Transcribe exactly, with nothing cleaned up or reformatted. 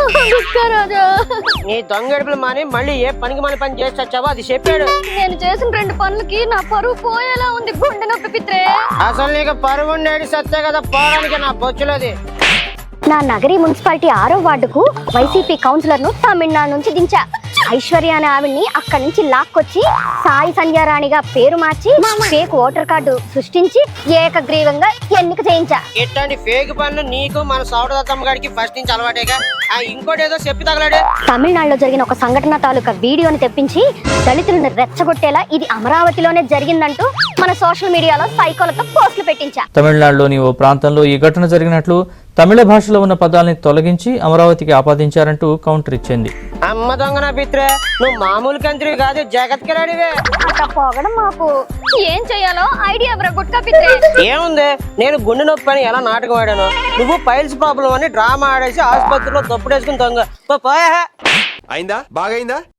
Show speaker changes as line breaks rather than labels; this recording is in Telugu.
నీ దొంగడుపులు మాని మళ్ళీ ఏ పనికి మన పని చేసి వచ్చావో అది చెప్పాడు.
నేను చేసిన రెండు పనులకి నా పరువు పోయేలా ఉంది. గుండె నొప్పి పిత్రే.
అసలు నీకు పరువు ఉండేది సత్తే కదా పోవడానికి నా బొచ్చులోది.
నా నగరి మున్సిపాలిటీ ఆరో వార్డుకు వైసీపీ కౌన్సిలర్ ను తమిళనాడు నుంచి దించా. ఐశ్వర్య అనే ఆవిడ్ని అక్కడి నుంచి లాక్కొచ్చి సాయి సంధ్యారాణిగా పేరు మార్చి ఫేక్ ఓటర్ కార్డు సృష్టించి ఏకగ్రీవంగా ఎన్నిక చేయించా.
ఇట్లాంటి ఫేక్ పనులు నీకు మన సౌడదత్తమ్మ గారికి ఫస్ట్ నుంచి అలవాటేగా. ఆ ఇంకోటి ఏదో చెప్పి తగలాడు.
తమిళనాడులో జరిగిన ఒక సంఘటన తాలూకా వీడియోని తెప్పించి దళితులను రెచ్చగొట్టేలా ఇది అమరావతిలోనే జరిగిందంటూ మన సోషల్ మీడియాలో సైకోలతో పోస్టులు పెట్టించా.
తమిళనాడులోని ఓ ప్రాంతంలో ఈ ఘటన జరిగినట్లు తమిళ భాషలో ఉన్న పదాలని తొలగించి అమరావతికి ఆపాదించారంటూ కౌంటర్ ఇచ్చింది.
అమ్మ దొంగ నా పిత్రే, నువ్వు మామూలు కంత్రి కాదు, జగత్కి రాడివే.
అట్లా పోగడం మాకు ఏం చెయ్యాలో ఐడియా గుట్కా పిత్రే.
ఏముంది, నేను గుండె నొప్పి అని ఎలా నాటకం ఆడాను, నువ్వు పైల్స్ ప్రాబ్లం అని డ్రామా ఆడేసి ఆసుపత్రిలో తప్పుడేసుకుని దొంగ పోయా.
అయిందా? బాగైందా?